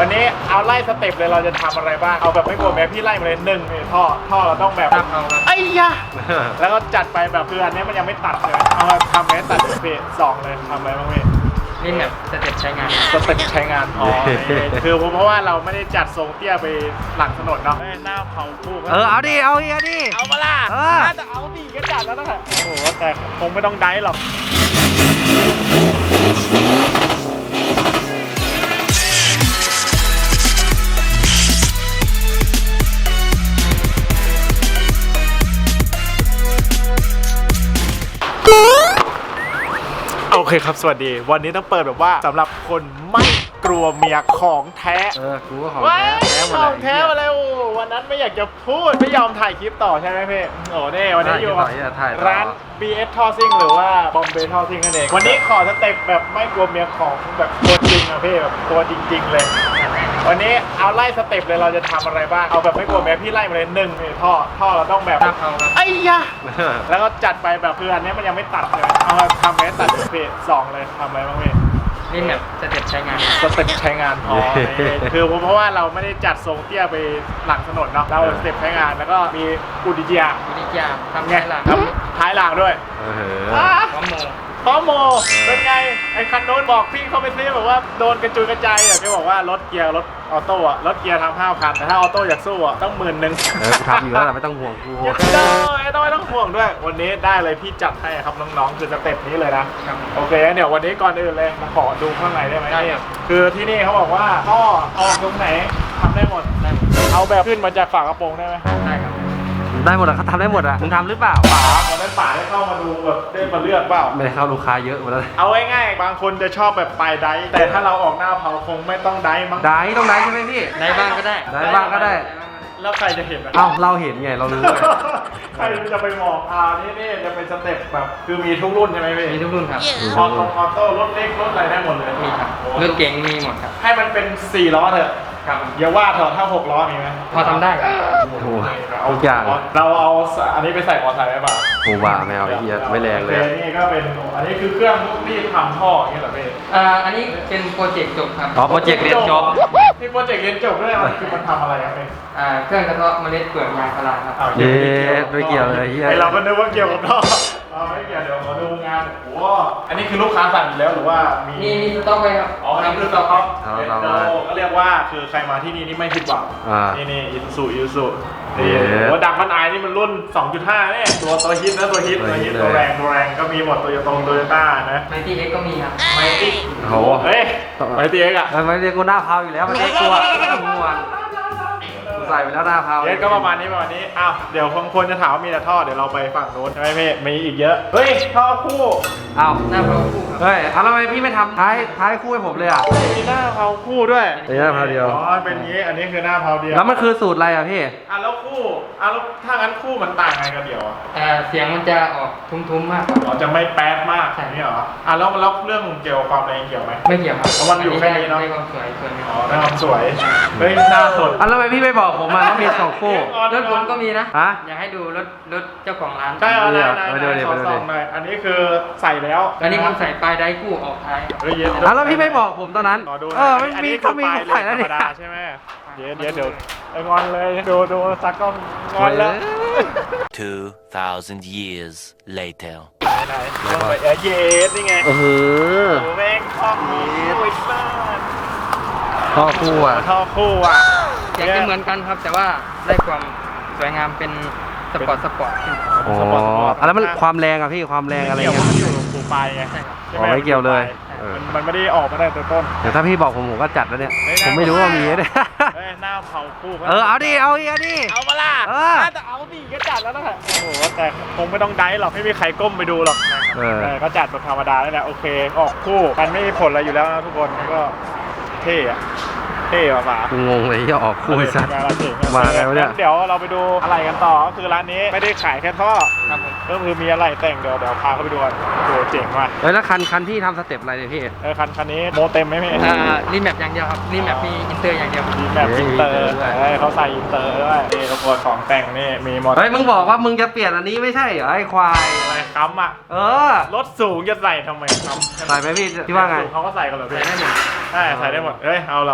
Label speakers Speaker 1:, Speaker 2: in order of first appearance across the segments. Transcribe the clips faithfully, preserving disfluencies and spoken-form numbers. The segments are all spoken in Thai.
Speaker 1: วันนี้เอาไล่สเต็ปเลยเราจะทำอะไรบ้างเอาแบบไม่กลัวแม้พี่ไล่มาเลยหนึ่งท่อท่อเราต้องแบบไอ้ยะแล้วก็จัดไปแบบคืออันนี้มันยังไม่ตัดเลยเอามาทำให้ตัดเพจสองเลยทำอะไรบ้างพี่
Speaker 2: นี่แบบสเต็ปใช้งาน
Speaker 1: สเต็ปใช้งานอ๋อคือเพราะว่าเราไม่ได้จัดทรงเตี้ยไปหลังถนนเนาะหน้าเผาคู่
Speaker 3: เออเอาดิเอาดิเอาดิ
Speaker 1: เอามาล่ะน่าจะเอาดิก็จัดแล้วนะโอ้โหแต่คงไม่ต้องได้หรอกโอเคครับสวัสดีวันนี้ต้องเปิดแบบว่าสำหรับคนไม่กลัวเมียของแท้
Speaker 3: เออกูก็ของแท้แท้หมดเลย
Speaker 1: ของแท้มาแล้ววันนั้นไม่อยากจะพูดไม่ยอมถ่ายคลิปต่อใช่ไหมพี่โอ้เน่วันนี้อยู่ร้าน บี เอส ท่อซิ่งหรือว่าบอมเบย์ท่อซิ่งนั่นเองวันนี้ขอสเต็ปแบบไม่กลัวเมียของแบบตัวจริงอะพี่แบบตัวจริงๆเลยวันนี้เอาไล่สเต็ปเลยเราจะทำอะไรบ้างเอาแบบไม่กลัวแม้พี่ไล่มาเลยหนึ่งท่อท่อเราต้องแบบไอ้ยะแล้วก็จัดไปแบบคืออันนี้มันยังไม่ตัดเลยเอามาทำให้ตัดเพจสองเลยทำอะไรบ้างพี่
Speaker 2: นี่แบบสเต็ปใช้งาน
Speaker 1: สเต็ปใช้งานอ๋อคือเพราะว่าเราไม่ได้จัดทรงเตี้ยไปหลังถนนเนาะเราสเต็ปใช้งานแล้วก็มีอุดิจิยา
Speaker 2: อุดิจิยาทำไงล่ะ
Speaker 1: ทำท้ายหลังด้วย
Speaker 2: พร้อมโม
Speaker 1: พร้อมโมเป็นไงไอ้คันโน้นบอกพี่เขาไปซื้อแบบว่าโดนกระจุยกระจายอ่ะแกบอกว่ารถเกียร์รถออโต้อะรถเกียร์ทำห้าพันแต่ถ้าออโต้อยากสู้อะต้องหมื่นหนึ่ง
Speaker 3: เออทำอยู่แล้วไม่ต้องห่วงกู
Speaker 1: ไม่ต้องไม่ต้องห่วงด้วยวันนี้ได้เลยพี่จัดให้ครับน้องๆคือสเต็ปนี้เลยนะโอเคเดี๋ยววันนี้ก่อนอื่นเลยมาขอดูข้างในได้ไหมคือที่นี่เขาบอกว่าท่อออกตรงไหนทำได้หมดเอาแบบขึ้นมาจากฝากระโปรงได้ไหม
Speaker 2: ได้ครับ
Speaker 3: ได้หมดอะเขาทำได้หมดอะมึงทำหรือเปล่า
Speaker 1: ป๋าวันนั้นป๋าได้เข้ามาดูแบบได้มาเลือกเปล่า
Speaker 3: ไม่ได้เข้าลูกค้าเยอะหมดแล้ว
Speaker 1: เอาง่ายๆบางคนจะชอบแบบปลายไดแต่ถ้าเราออกหน้าเผาคงไม่ต้องไดมั้ง
Speaker 3: ไดต้องไดใช่ไหมพี่
Speaker 2: ไดบ้างก็ได้
Speaker 3: ไดบ้างก็ได้
Speaker 1: แล้วใครจะเห็น
Speaker 3: เอ้าเราเห็นไงเรารู้
Speaker 1: ใครจะไปมองอ่านี่นี่จะเป็นสเต็ปแบบคือมีทุกรุ่นใช่ไหมพี่
Speaker 2: มีทุกรุ่นครับ
Speaker 1: ออโต้ออโต้รถเล็กรถอะไรได้หมดเลย
Speaker 2: มีครับรถเก๋งมีหมดครับ
Speaker 1: ให้มันเป็นสี่ล้อเถอะครับอย่าว่าเถอะถ้าหกล้อมีไหม
Speaker 2: พอทำได้
Speaker 3: โอ้โหทุกอย่าง
Speaker 1: เราเอาอันนี้ไปใส่มอเตอร์ไซค์ได้ป่ะ
Speaker 3: โอ้บ้าไม่เอาไอ้เหี้ยไม่แรงเลย
Speaker 1: นี่ก็เป็นอันนี้คือเครื่องที่ทำท่ออย่างเงี้ยเหรอพี่
Speaker 2: อ่าอันนี้เป็นโปรเจกต์จบครับ
Speaker 3: อ๋อโปรเจกต์เรียนจบ
Speaker 1: ที่โปรเจกต์เรียนจบด้วยคือมันทำอะไรครับพี่
Speaker 2: อ่าเครื่องกระเทาะเมล็ดเปลือกยางพาราครับ
Speaker 3: เย้ไม่เกี่ยวเลยเฮีย
Speaker 1: เราก็นึกว่าเกี่ยวกับท่อไม่เกี่ยวเดี๋ยวขอดูงานโอ้อันนี้คือลูกค้าสั่งอยู่แล้วหรือว่ามี
Speaker 2: มีมีสต็อกไว้ครับ
Speaker 1: อ๋อทำคือสต็อกก็เรียกว่าคือใครมาที่นี่นี่ไม่ผิดหวังนี่นี่อิซูอิซูนี่โอ้ดักมันไอนี่มันรุ่น สองจุดห้า เนี่ยตัวตัวฮิตนะตัวฮิตตัวฮิตตัวแรงตัวแรงก็มีหมดตัวโยโตโตโยต้านะ
Speaker 2: ไมตี้เอ็กก็มีครับ
Speaker 1: ไมตี้
Speaker 3: โอ้
Speaker 1: เฮ้ยไมตี้เอ็กอะ
Speaker 3: ไมตี้กูหน้าเผาอยู่แล้วไมตี้กลัวไม่ต้องห่วงใส่ไปแล้วหน้าเผา
Speaker 1: เอ็กก็ประมาณนี้ประมาณนี้อ้าวเดี๋ยวบางคนจะถามว่ามีแต่ท่อเดี๋ยวเราไปฝั่งโน้นใช่ไหมพี่มีอีกเยอะเฮ้ยท่อคู่
Speaker 3: อ้าว
Speaker 2: หน้าเผาคู่
Speaker 3: เฮ้ยทำไมพี่ไม่ทำท้ายท้ายคู่ให้ผมเลยอ่ะ
Speaker 1: มีหน้าเผาคู่ด้วย
Speaker 3: มีหน้าเผาเดียว
Speaker 1: อ๋อเป็นงี้อันนี้คือหน้าเผาเดียว
Speaker 3: แล้วมันคือสูตรอะไรอ่ะพี่
Speaker 1: อ่ะแล้วคู่อ่ะแล้วถ้างั้นคู่มันต่างไงกันเดียว
Speaker 2: อ่าเสียงมันจะออกทุ้มๆมาก
Speaker 1: อ๋อจะไม่แป๊ดมากใช่ไหมเหรออ่ะแล้วแล้วเรื่องเกี่ยวกับความแรงเกี่ยวไหม
Speaker 2: ไม่เกี่ยวครับ
Speaker 1: เพราะมันอยู่แค่นี้เนาะ
Speaker 2: ได้ความสวยส่วนนึง
Speaker 1: อ๋อได้ความสวยเฮ้ยหน้าสด
Speaker 3: อ่ะแล้วทำไมพี่ไม่บอกผมมาว่ามีสองคู่
Speaker 2: รถผมก็มีนะ
Speaker 3: ฮะ
Speaker 2: อยากให้ดูรถรถเจ้าของร้าน
Speaker 1: ใช่เอาเลยมาดูดิมาดูดิอันนี้คือใส่แล้ว
Speaker 2: อันนี้ผมใส่ปลายไดกู้ออกท้าย
Speaker 1: เฮ้ยเย็น
Speaker 3: แล้วพี่ไม่บอกผมตอนนั้นเออไม่มีเขามีใส่แล้ว
Speaker 1: เนี่ยใช่ไหมเดี๋ยวเดี๋ยวเดี๋ยวงอนเลยดูดูซักก็งอนแล้ว
Speaker 4: two thousand years later
Speaker 1: ไหนลงไปเอเยสนี่ไง
Speaker 3: เออ
Speaker 1: โอ้แม่งท่อคู่อีกบ้าน
Speaker 3: ท่อคู่อ่ะ
Speaker 1: ท่อคู่อ่ะ
Speaker 2: อยากจะเหมือนกันครับแต่ว่าได้ความสวยงามเป็นสปอร์ตสปอร์ตขึ้น
Speaker 3: อ๋อแล้วมันความแรงอ่ะพี่ความแรงอะไรเงี้ย
Speaker 1: มันอยู่ปูปลายไง
Speaker 3: อ๋อไม่เกี่ยวเลย
Speaker 1: มันไม่ได้ออกมาได้ตัวต้น
Speaker 3: เดี๋ยวถ้าพี่บอกผมผมก็จัดแล้วเนี่ยผมไม่รู้ว่ามีเนี่ย
Speaker 1: หน้าเผาคู่
Speaker 3: เออเอาดิเอาดิเอาดิ
Speaker 1: เอามาล่ะน่าจะเอาดิก็จัดแล้วนะโอ้โหแต่คงไม่ต้องได้หรอกไม่มีใครก้มไปดูหรอกก็จัดแบบธรรมดาแล้วแหละโอเคออกคู่กันไม่มีผลอะไรอยู่แล้วนะทุกคนก็เท่อะเท่ป่ะ
Speaker 3: กูงงเลยที่ออกคู่สัตว์มาไงวะเนี่ย
Speaker 1: เดี๋ยวเราไปดูอะไรกันต่อก็คือร้านนี้ไม่ได้ขายแค่ท่อก็คือมีอะไรแต่งเดี๋ยวเดี๋ยวพาเขาไปดูกันดูเจ๋งว่ะ
Speaker 3: แล้วคันคันที่ทำสเต็ปอะไรเนี่ยพี่
Speaker 1: เออคันคันนี้โมเต็มไหมพี่
Speaker 2: อ่ารีแมปอย่างเดียวครับรีแมปมีอินเตอร์อย่างเดียว
Speaker 1: รีแมปอินเตอร์เขาใส่อินเตอร์ด้วยนี่ทุกคนของแต่งนี่มีหมด
Speaker 3: เฮ้ยมึงบอกว่ามึงจะเปลี่ยนอันนี้ไม่ใช่เหรอไอ้ควาย
Speaker 1: อะไรค้ำอ่ะ
Speaker 3: เออ
Speaker 1: รถสูงจะใส่ทำไมค้
Speaker 3: ำใส่ไหมพี่ที่ว่าไง
Speaker 1: เขาก็ใส่กันเหรอพี่ใส่ได้หมดใช่ใส่ได้หมดเฮ้ยเอาเหรอ
Speaker 3: แล้วแต่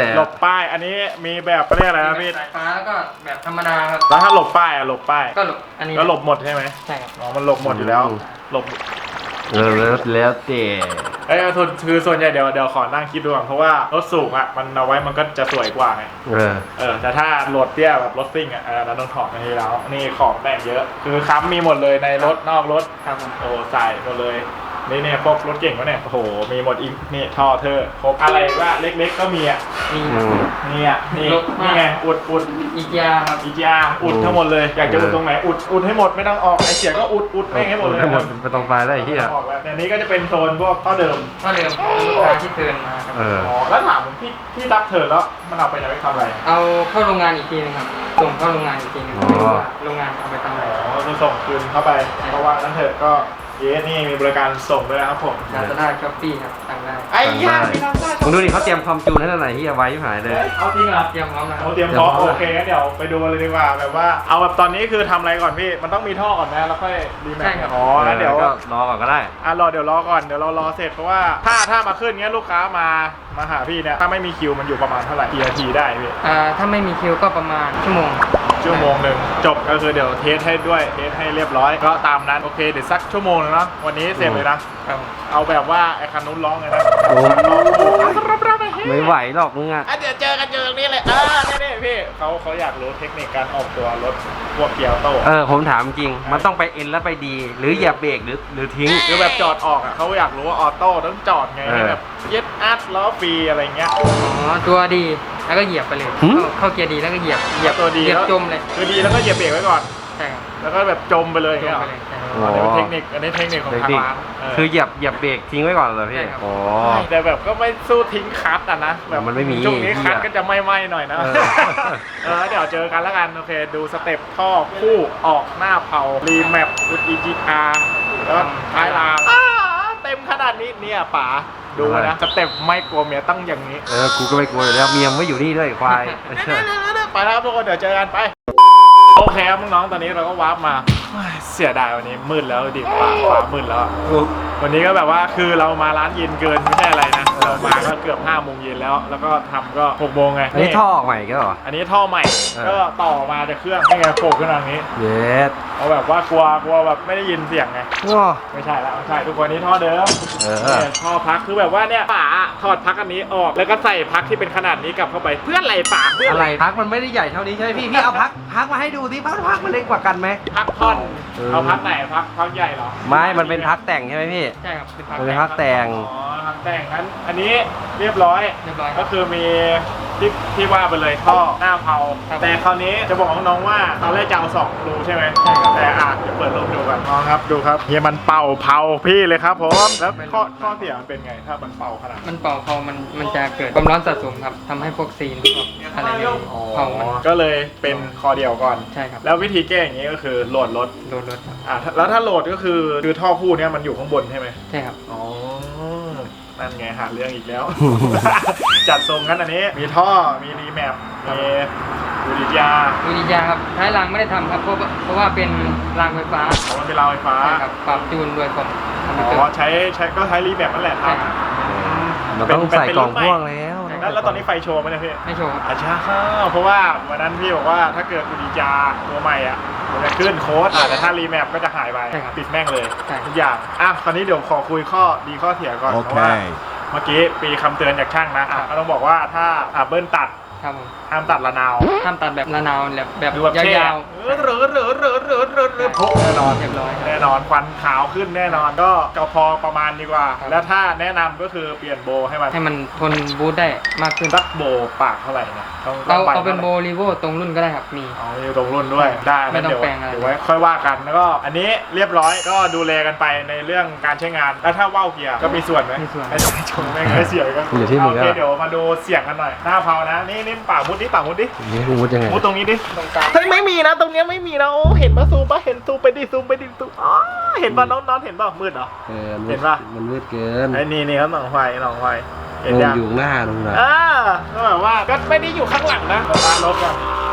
Speaker 1: หลบป้ายอันนี้มีแบบเรียกอะไรนะพี่
Speaker 2: สายฟ้าแล้วก็แบบธรรมดาครับ
Speaker 1: แล้วถ้าหลบป้ายอะหลบป้าย
Speaker 2: ก็หลบอันนี้
Speaker 1: ก็หลบหมดใช่ไหม
Speaker 2: ใช่ครับ
Speaker 1: อ๋อมันหลบหมดอยู่แล้วหลบ
Speaker 3: เออแล้วแล้วแต่
Speaker 1: ไอ้ทุนคือส่วนใหญ่เดี๋ยวเดี๋ยวขอนั่งคิดดูก่อนเพราะว่ารถสูงอ่ะมันเอาไว้มันก็จะสวยกว่าไง
Speaker 3: เออ
Speaker 1: เออแต่ถ้ารถเตี้ยแบบรถซิ่งอ่ะเออเราต้องถอดมาทีแล้วนี่ของแต่งเยอะ คือค้ำมีหมดเลยในรถนอกรถ
Speaker 2: ครับผม
Speaker 1: โอ้ใส่หมดเลยนี่เนี่ยพวกรถเก่งวะเนี่ยโอ้โหมีหมดอีกนี่ท่อเธอครบอะไรว่าเล็กๆก็มีอ่ะ
Speaker 2: มี
Speaker 3: อืม
Speaker 1: นี่อ่ะนี่นี่ไงอุดอุด
Speaker 2: อีกยาครับ
Speaker 1: อีกอย่างอุดทั้งหมดเลยอยากจะอุดตรงไหนอุดอุดให้หมดไม่ต้องออกไอเสียก็อุดอุดไม่ให้หมดเลย
Speaker 3: ให้หมดไปตรงปลายได้ไอ้เหี้ย
Speaker 1: ออกแล้วอันนี้ก็จะเป็นโซนพวกท่อเดิม
Speaker 2: ก็เดิมลูกค้าที่เทิร์นมาครับ
Speaker 3: เออ
Speaker 1: อ๋อแล้วถามพี่พี่รับเธอแล้วมันเอาไปไหนไปทำอะไร
Speaker 2: เอาเข้าโรงงานอีกทีนึงครับส่งเข้าโรงงานอีกทีนึง
Speaker 3: อ๋อ
Speaker 2: ไม่รู้ว่าโรงงานเอาไปทำอะไร
Speaker 1: อ๋อคือส่งคืนเข้าไปเพราะว่านั้นเถอะก็เยสนี่มีบริการส่งด้วยนะครับผม
Speaker 2: ลาซาด้าช้อปปี้ครับสั่งได้
Speaker 1: ไอ้ย่าพี่น้ำซ่า
Speaker 3: มึงดูดิเขาเตรียมความจูนให้ท่านไหนที่เอาไว้ที่หายเลย
Speaker 1: เอาจริงเหรอ
Speaker 2: เตรียมพร้อมนะครั
Speaker 1: เอา
Speaker 2: บ
Speaker 1: เตรียมพร้อมโอเคงั้นเดี๋ยวไปดูเลยดีกว่าแบบว่าเอาแบบตอนนี้คือทำอะไรก่อนพี่มันต้องมีท่อก่อนนะแล้วค่อยรีแมทอ๋องั้นเดี๋ยว
Speaker 3: ก็รอก่อนก็ได้
Speaker 1: อ่ะรอเดี๋ยวรอก่อนเดี๋ยวเรารอเสร็จเพราะว่าถ้าถ้ามาขึ้นเงี้ยลูกค้ามามาหาพี่เนี่ยถ้าไม่มีคิวมันอยู่ประมาณเท่าไหร่กี่นาทีได้พี่
Speaker 2: อ่าถ้าไม่มีคิวก็ประมาณชั่วโมง
Speaker 1: ชั่วโมงหนึ่งจบก็คือเดี๋ยวเทสให้ด้วยเทสให้เรียบร้อยก็ตามนั้นโอเคเดี๋ยวสักชั่วโมงนึงเนาะวันนี้เสร็จเลยนะครับ เอาแบบว่าไอ้คันนู้นร้องเลยนะ
Speaker 3: โอ้
Speaker 1: ร้องรับรับไป
Speaker 3: ไม่ไหวหรอกมึงอ่ะ
Speaker 1: อ่ะเดี๋ยวเจอกันเจอตรงนี้เลยเออนี่ๆพี่เขาเขาอยากรู้เทคนิคการออกตัวรถพวกเกียร์โต้
Speaker 3: เออผมถามจริง มันต้องไปเอ็นแล้วไปดี หรือเหยียบเบรกหรือหรือทิ้ง
Speaker 1: คือแบบจอดออกอ่ะเขาอยากรู้ว่าออโต้ต้องจอดไง
Speaker 3: เออ
Speaker 1: ให้แบบเย็ดอัดล้อฟรีอะไรเงี้ย
Speaker 2: อ๋อตัวดีแล้วก็เหยียบไปเลย
Speaker 3: หืม
Speaker 2: เข้าเข้าเกียร์ดีแล้วก็เหยียบเหยียบ
Speaker 1: ตัวดี
Speaker 2: เหยียบ
Speaker 1: แล้ว
Speaker 2: จมเลย
Speaker 1: คือดีแล้วก็เหยียบเบรกไว้ก่อน
Speaker 2: ใช่ครับ
Speaker 1: แล้วก็แบบจมไปเลย
Speaker 2: จ
Speaker 1: เงี้
Speaker 2: ม
Speaker 1: ยเหร
Speaker 2: ไป
Speaker 1: อ
Speaker 2: เลยใช่ครับ
Speaker 3: อ๋อ
Speaker 1: อันนี้เป็นเทคนิคอันนี้เทคนิคของ
Speaker 3: เทค
Speaker 1: ทาง
Speaker 3: นิค
Speaker 1: ร้านเออ
Speaker 3: คือเหยียบเหยียบเบรกทิ้งไว้ก่อนเหรอพี่
Speaker 2: ใช่ครับ
Speaker 3: อ๋อ
Speaker 1: แต่แบบก็ไม่สู้ทิ้งคัทอ่ะนะแบบ
Speaker 3: มันไม่มี
Speaker 1: ช่วงนี้คัท
Speaker 3: เหี้ย
Speaker 1: ก็จะไม่ไหม้หน่อยนะ
Speaker 3: เออ
Speaker 1: เออเดี๋ยวเจอกันแล้วกันโอเคดูสเต็ปท่อคู่ออกหน้าเผารีแมปอุด อี จี อาร์ แล้วก็ท้ายรางอ้าเต็มขนาดนี้เนี่ยป๋าดูนะสเต็ปไม่กลัวเมียตั้งอย่างนี้
Speaker 3: เออ กูก็ไม่กลัวอยู่แล้วเมียมไม่อยู่นี่ด้วยควาย
Speaker 1: ไปแล้วครับทุกคนเดี๋ยวเจอกันไปโอเคครับน้องๆตอนนี้เราก็วาร์ปมาเฮ้ยเสียดายวันนี้มืดแล้วดิป่าป่ามืดแล้วอะวันนี้ก็แบบว่าคือเรามาร้านเย็นเกินไม่ใช่อะไรนะเรามาก็เกือบห้าโมงเย็นแล้ว แล้วก็ทำก็หกโมงไง
Speaker 3: อันนี้ท่อออกใหม่ก็เหรอ
Speaker 1: อันนี้ท่อใหม่
Speaker 3: เออ
Speaker 1: ก็ต่อมาจากเครื่องให้ไงโผล่ขึ้นมาอย่างนี้
Speaker 3: เย็ด
Speaker 1: เอาแบบว่ากลัวกลัวแบบไม่ได้ยินเสียงไง
Speaker 3: ง้อ
Speaker 1: ไม่ใช่แล้วไม่ใช่ทุกคนนี้ท่อเดิม
Speaker 3: เออ
Speaker 1: เนี่ยท่อพักคือแบบว่าเนี่ยป๋าถอดพักอันนี้ออกแล้วก็ใส่พักที่เป็นขนาดนี้กลับเข้าไปเพื่ออะไรป๋าเพื่อ
Speaker 3: อะ
Speaker 1: อะไร ไร
Speaker 3: พักมันไม่ได้ใหญ่เท่านี้ใช่ไหมพี่ พี่เอาพักพักมาให้ดูสิพักพักมันเล็กกว่ากันไหม
Speaker 1: พักท่อน
Speaker 3: เออ
Speaker 1: เอาพักไหนพักพักใหญ่เหรอ
Speaker 3: ไม่ มันเป็นพักแต่งใช่ไหมพี่
Speaker 2: ใช่ครับเป็นพัก
Speaker 3: มันเป็นพักแต่ง
Speaker 1: อ๋อพักแต่งงั้นอันนี้เรียบร้อย
Speaker 2: เรียบร้อยค
Speaker 1: ก็
Speaker 2: รับ
Speaker 1: คือมีที่ที่ว่าไปเลยท่อหน้าเผา
Speaker 2: ครับ
Speaker 1: แต่คราวนี้จะบอกน้องๆว่าตอนแรกจะเอาสองรูใช่ไหมใช่ครับแต่อ่ะเดี๋ยวเปิดรูดูกันน้องครับดูครับเฮียมันเป่าเผาพี่เลยครับผมแล้วข้อข้อเสียมันเป็นไงถ้ามันเป่าขนาดนั้น
Speaker 2: มันเป่าเผามันมันจะเกิดความร้อนสะสมครับทำให้พวกซีนพวกอะไรเนี่ยเผามัน
Speaker 1: ก็เลยเป็นคอเดียวก่อน
Speaker 2: ใช่ครับ
Speaker 1: แล้ววิธีแก้อย่างนี้ก็คือโหลดรถ
Speaker 2: โดนรถครับ
Speaker 1: อ่ะแล้วถ้าโหลดก็คือคือท่อคู่เนี้ยมันอยู่ข้างบนใช่ไหม
Speaker 2: ใช่ครับ
Speaker 1: อ๋อนั่นไงหาเรื่องอีกแล้ว จัดทรงกันอันนี้มีท่อมีรีแมปมีบูดิยา
Speaker 2: วิริยาครับท้ายรางไม่ได้ทำครับเพราะว่าเพราะว่าเป็นรางไฟฟ้า
Speaker 1: อ๋อมันเป็นราวไฟฟ้า
Speaker 2: ใช่ครับปรับจูนโดยผมทำให้
Speaker 1: อ๋
Speaker 2: เกิด
Speaker 1: อใช้ใช้ก็ใช้รีแมปนั่นแหละค
Speaker 2: ใช่
Speaker 1: รับ
Speaker 2: ครับ
Speaker 3: มันต้องใส่กล่องพ่วงแล้ว
Speaker 1: แล้วแล้วตอนนี้ไฟโชว์ไหมเนี่ยพี่
Speaker 2: ไม่โชว์ครับ
Speaker 1: อาชาเพราะว่าวันนั้นพี่บอกว่าถ้าเกิดบูดิยาตัวใหม่อ่ะมันจะขึ้นโค้ดอ่ะแต่ถ้ารีแมปก็จะหายไปปิดแม่งเลย
Speaker 2: ใช่
Speaker 1: ทุกอย่างอ่ะคราวนี้เดี๋ยวขอคุยข้อดีข้อเสียก่อนเพราะว่าเมื่อกี้ปีคำเตือนจากช่างนะอ่ะก็ต้องบอกว่าถ้าอ่ะเบิ้ลตัด
Speaker 2: ครับผม
Speaker 1: ห้ามตัดระนาว
Speaker 2: ห้ามตัดแบบระนาวแบบแบบ
Speaker 1: ดูแบบเท่
Speaker 2: ยาว
Speaker 1: เออเหรือเหรือเหรือเหรือเหรือเหรือโพแน่นอน
Speaker 2: เรียบร้อยครับ
Speaker 1: แน่นอนควันขาวขึ้นแน่นอนก็ก็พอประมาณดีกว่า
Speaker 2: ครับ
Speaker 1: แล้วถ้าแนะนำก็คือเปลี่ยนโบให้มัน
Speaker 2: ให้มันทนบูทได้มากขึ้น
Speaker 1: สักโบปากเท่าไหร่นะต้องต้
Speaker 2: เอา
Speaker 1: งไป
Speaker 2: เอาเป็นโบ
Speaker 1: ท่าไหร่
Speaker 2: ลีโวตรงรุ่นก็ได้ครับมี
Speaker 1: อ๋อมีตรงรุ่นด้วยได้
Speaker 2: ไม่ต้อง
Speaker 1: เดี๋ยว
Speaker 2: แปลงอะไร
Speaker 1: เดี๋ยวไว้ค่อยว่ากันแล้วก็อันนี้เรียบร้อยก็ดูแลกันไปในเรื่องการใช้งานแล้วถ้าว่าวเกียร์ก็มีส่วนไหม
Speaker 2: มีส่วน
Speaker 1: ไม่ต้องชมไม่งไม่เสียก็
Speaker 3: อยู่ที่มึง
Speaker 1: โอเค
Speaker 3: อะ
Speaker 1: เดี๋ยวมาดูเสียงกันหน่อยหน้าเผานะนี่นี่ปากมุดดิปากมุดดิ
Speaker 3: นี่กูมุดยังไง
Speaker 1: มุดตรงนี้ดิตรงกลางเฮ้ยไม่มีนะตรงเนี้ยไม่มีนะโอ้เห็นปะซูมปะเห็นซูมไปดิซูมไปดิซูมอ๋อเห็นปะน้องน้องเห็นปะมืดเหรอ
Speaker 3: เออ
Speaker 1: เห็นปะ
Speaker 3: มันมืดเกิน
Speaker 1: ไอ้นี่นี่ครับหนองไฟหนองไฟเห็น
Speaker 3: มัน
Speaker 1: ยัง
Speaker 3: อยู่หน้าตรงนั้น
Speaker 1: อ่าก็แบบว่าก็ไม่ได้อยู่ข้างหลังนะตามรถกัน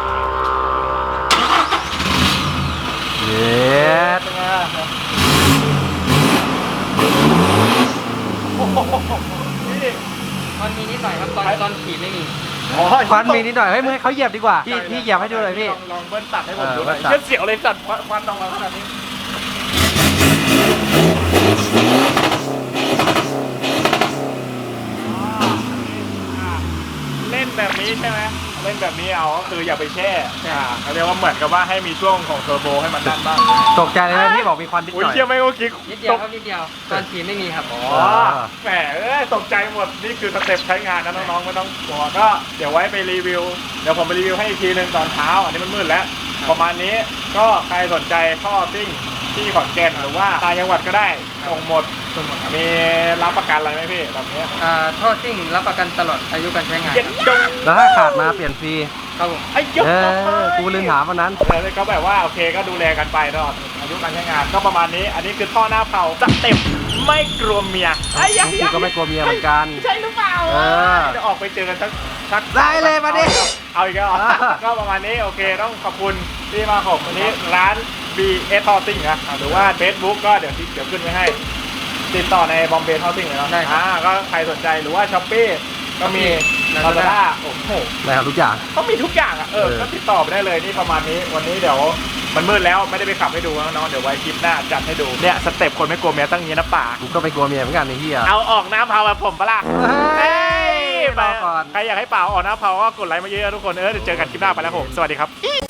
Speaker 3: เย็ด
Speaker 1: เป็นไงล่ะโอ้โหนี่
Speaker 2: มันมีนิดหน่อยครับตอนตอนขี่ไม่มี
Speaker 1: ตอ๋อ
Speaker 3: ควันมีนิดหน่อยเฮ้ยมึงให้เขาเหยียบดีกว่าพี่พี่เหยียบให้ดูเลยพี่
Speaker 1: ลองลองเบิ้ลตัดให้ผม
Speaker 3: เออ
Speaker 1: ดูหน่อย
Speaker 3: เบิ้ลตัด
Speaker 1: เชื่อเสียวเลยสัตว์ควันควันออกมาขนาดนี้เล่นแบบนี้ใช่ไหมเล่นแบบนี้เอาก็คืออย่าไปแช่อ่าเขาเรียกว่าเหมือนกับว่าให้มีช่วงของเทอร์โบให้มันดันบ้าง
Speaker 3: ตกใจเลยนะพี่บอกมีควันนิดห
Speaker 1: อุ้ย
Speaker 3: น่อย
Speaker 1: เชื่อไหมว่าคิด
Speaker 2: นิดเดียวครับนิดเดียวตอนขี่ไม่มีครับ
Speaker 1: อ๋อ
Speaker 3: เออ
Speaker 1: แหมเอ้ยตกใจหมดนี่คือสเต็ปใช้งานนะน้องๆไม่ต้องกลัวก็เดี๋ยวไว้ไปรีวิวเดี๋ยวผมไปรีวิวให้อีกทีหนึงตอนเช้าอันนี้มันมืดแล้วประมาณนี้ก็ใครสนใจท่อซิ่งที่ขอนแก่นหรือว่าต่างจังหวัดก็ได้ส่งหมด
Speaker 2: ส่วนหมดครับ
Speaker 1: มีรับประกันอะไรไหมพี่แบบนี้
Speaker 2: อ่าท่อซิ่งรับประกันตลอดอายุการใช้งาน
Speaker 1: เย็นดง
Speaker 3: แล้วถ้าขาดมาเปลี่ยนฟรี
Speaker 2: ครับผม
Speaker 1: ไอ้ยก
Speaker 3: เออกูลืมถามวันนั้น
Speaker 1: เออก็แบบว่าโอเคก็ดูแลกันไปตลอดอายุการใช้งานก็ประมาณนี้ อันนี้คือท่อหน้าเผาสเต็ปไม่กลัวเมียไอ้ย
Speaker 3: กูก็ไม่กลัวเมียเหมือนกัน
Speaker 1: ใช่หรือเปล่า
Speaker 3: เออ
Speaker 1: จะออกไปเจอกันสักสัก
Speaker 3: ได้เลยมาดิ
Speaker 1: เอาอีกแล้วเหรอ
Speaker 3: เออ
Speaker 1: ก็ประมาณนี้โอเคต้องขอบคุณที่มาของวันนี้ร้าน บี เอส Housing นะหรือว่า Facebook ก็เดี๋ยวที่เดี๋ยวขึ้นไว้ให้ ติดต่อในบอมเบย์ Housing เลยเนาะ
Speaker 2: ได้ครับ
Speaker 1: อ่าก็ใครสนใจหรือว่า Shopee ก็มี
Speaker 2: Lazada
Speaker 1: Lazada โอ้โห
Speaker 3: ได้ครับทุกอย่าง
Speaker 1: เขามีทุกอย่างอ่ะเออ
Speaker 3: เออ
Speaker 1: ก็ติดต่อไปได้เลยนี่ประมาณนี้วันนี้เดี๋ยวมันมืดแล้วไม่ได้ไปขับให้ดูน้องๆเดี๋ยวไว้คลิปหน้าจัดให้ดูเนี่ยสเต็ปคนไม่กลัวเมียตั้งอย่างนี้นะป่า
Speaker 3: กูก็ไม่กลัวเมียเหมือนกันไอ้เหี้ย
Speaker 1: เอาออกน้ำเผาแบบผมปะล่ะ
Speaker 3: เฮ้ย
Speaker 1: ไป
Speaker 3: รอก่อน
Speaker 1: ใครอยากให้เป่าออกน้ำเผาก็กดไลค์มาเยอะๆทุกคนเออเดี๋ยวเจอกันคลิปหน้าไปแล้วผมสวัสดีครับ